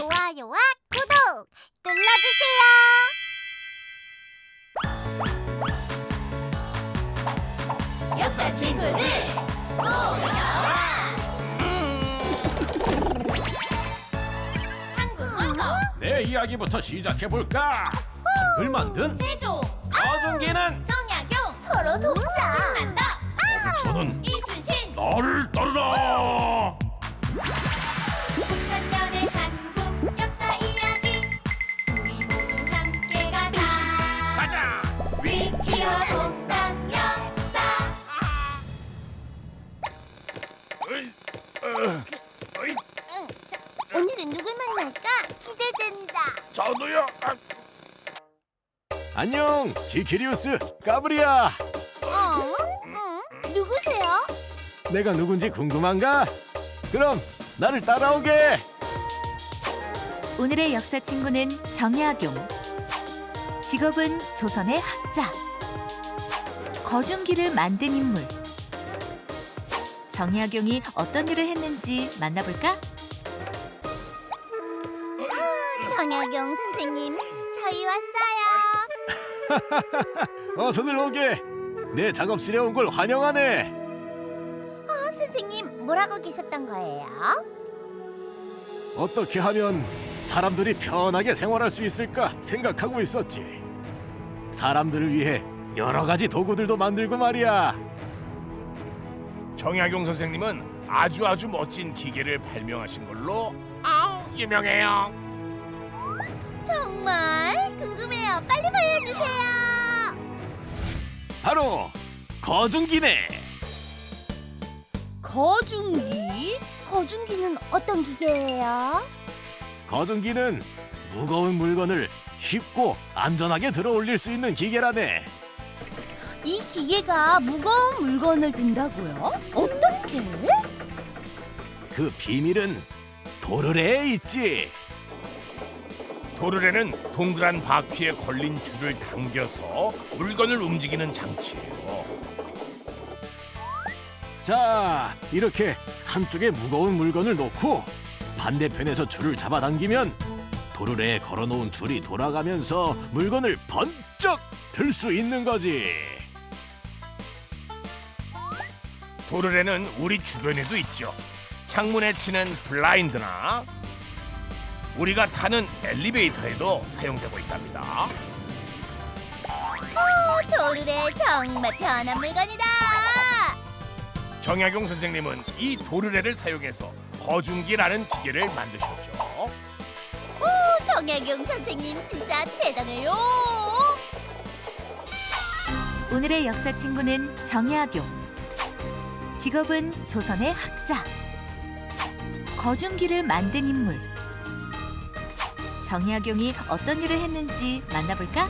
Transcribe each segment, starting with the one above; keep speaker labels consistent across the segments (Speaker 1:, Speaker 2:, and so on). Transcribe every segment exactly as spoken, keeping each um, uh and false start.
Speaker 1: 좋아요와 구독 눌러주세요. 역사 친구들 모여라. 한국 문서
Speaker 2: 내 이야기부터 시작해볼까? 한글 만든
Speaker 1: 세종
Speaker 2: 거중기는
Speaker 1: 정약용 서로 동자 한다
Speaker 2: 저는
Speaker 1: 이순신
Speaker 2: 나를 따르라.
Speaker 1: 오천 년의 한국 역사 이야기 우리 모두 함께 가자.
Speaker 2: 가자.
Speaker 1: 위키와 동당 역사.
Speaker 2: 어이, 어, 어이,
Speaker 1: 응, 자, 오늘은 누굴 만날까? 기대된다.
Speaker 2: 저도요. 아. 안녕, 지키리우스 까브리야.
Speaker 1: 어? 응? 누구세요?
Speaker 2: 내가 누군지 궁금한가? 그럼 나를 따라오게.
Speaker 3: 오늘의 역사 친구는 정약용. 직업은 조선의 학자. 거중기를 만든 인물. 정약용이 어떤 일을 했는지 만나볼까?
Speaker 1: 정약용 선생님, 저희 왔어요.
Speaker 2: 어서들 오게. 내 작업실에 온 걸 환영하네.
Speaker 1: 어, 선생님, 뭐라고 계셨던 거예요?
Speaker 2: 어떻게 하면 사람들이 편하게 생활할 수 있을까 생각하고 있었지. 사람들을 위해 여러 가지 도구들도 만들고 말이야.
Speaker 4: 정약용 선생님은 아주 아주 멋진 기계를 발명하신 걸로 아우 유명해요.
Speaker 1: 정말 궁금해요. 빨리 보여주세요.
Speaker 2: 바로 거중기네.
Speaker 1: 거중기? 거중기는 어떤 기계예요?
Speaker 2: 거중기는 무거운 물건을 쉽고 안전하게 들어 올릴 수 있는 기계라네.
Speaker 1: 이 기계가 무거운 물건을 든다고요? 어떻게?
Speaker 2: 그 비밀은 도르래에 있지.
Speaker 4: 도르래는 동그란 바퀴에 걸린 줄을 당겨서 물건을 움직이는 장치예요.
Speaker 2: 자, 이렇게 한쪽에 무거운 물건을 놓고 반대편에서 줄을 잡아당기면 도르래에 걸어놓은 줄이 돌아가면서 물건을 번쩍 들 수 있는 거지.
Speaker 4: 도르래는 우리 주변에도 있죠. 창문에 치는 블라인드나 우리가 타는 엘리베이터에도 사용되고 있답니다.
Speaker 1: 오, 도르래 정말 편한 물건이다.
Speaker 4: 정약용 선생님은 이 도르래를 사용해서 거중기라는 기계를 만드셨죠.
Speaker 1: 오, 정약용 선생님 진짜 대단해요.
Speaker 3: 오늘의 역사 친구는 정약용. 직업은 조선의 학자. 거중기를 만든 인물. 정약용이 어떤 일을 했는지 만나볼까?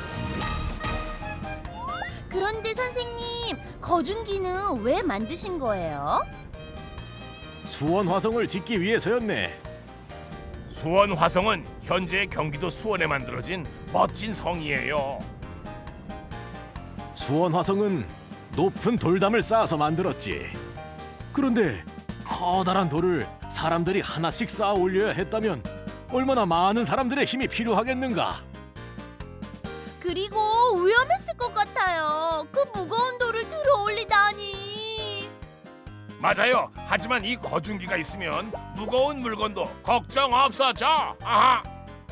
Speaker 1: 그런데 선생님, 거중기는 왜 만드신 거예요?
Speaker 2: 수원 화성을 짓기 위해서였네.
Speaker 4: 수원 화성은 현재 경기도 수원에 만들어진 멋진 성이에요.
Speaker 2: 수원 화성은 높은 돌담을 쌓아서 만들었지. 그런데 커다란 돌을 사람들이 하나씩 쌓아 올려야 했다면 얼마나 많은 사람들의 힘이 필요하겠는가.
Speaker 1: 그리고 위험했을 것 같아요. 그 무거운 돌을 들어 올리다니.
Speaker 4: 맞아요. 하지만 이 거중기가 있으면 무거운 물건도 걱정 없어져. 아하.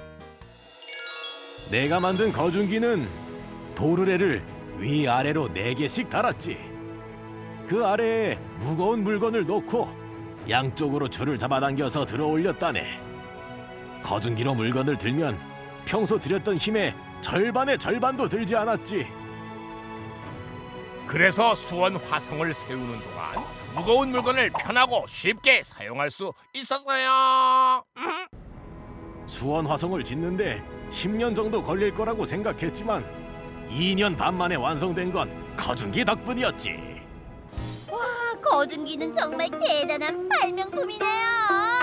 Speaker 2: 내가 만든 거중기는 도르래를 위아래로 네 개씩 달았지. 그 아래에 무거운 물건을 놓고 양쪽으로 줄을 잡아당겨서 들어 올렸다네. 거중기로 물건을 들면 평소 들였던 힘의 절반의 절반도 들지 않았지.
Speaker 4: 그래서 수원 화성을 세우는 동안 무거운 물건을 편하고 쉽게 사용할 수 있었어요. 음.
Speaker 2: 수원 화성을 짓는데 십 년 정도 걸릴 거라고 생각했지만 이 년 반 만에 완성된 건 거중기 덕분이었지.
Speaker 1: 와, 거중기는 정말 대단한 발명품이네요.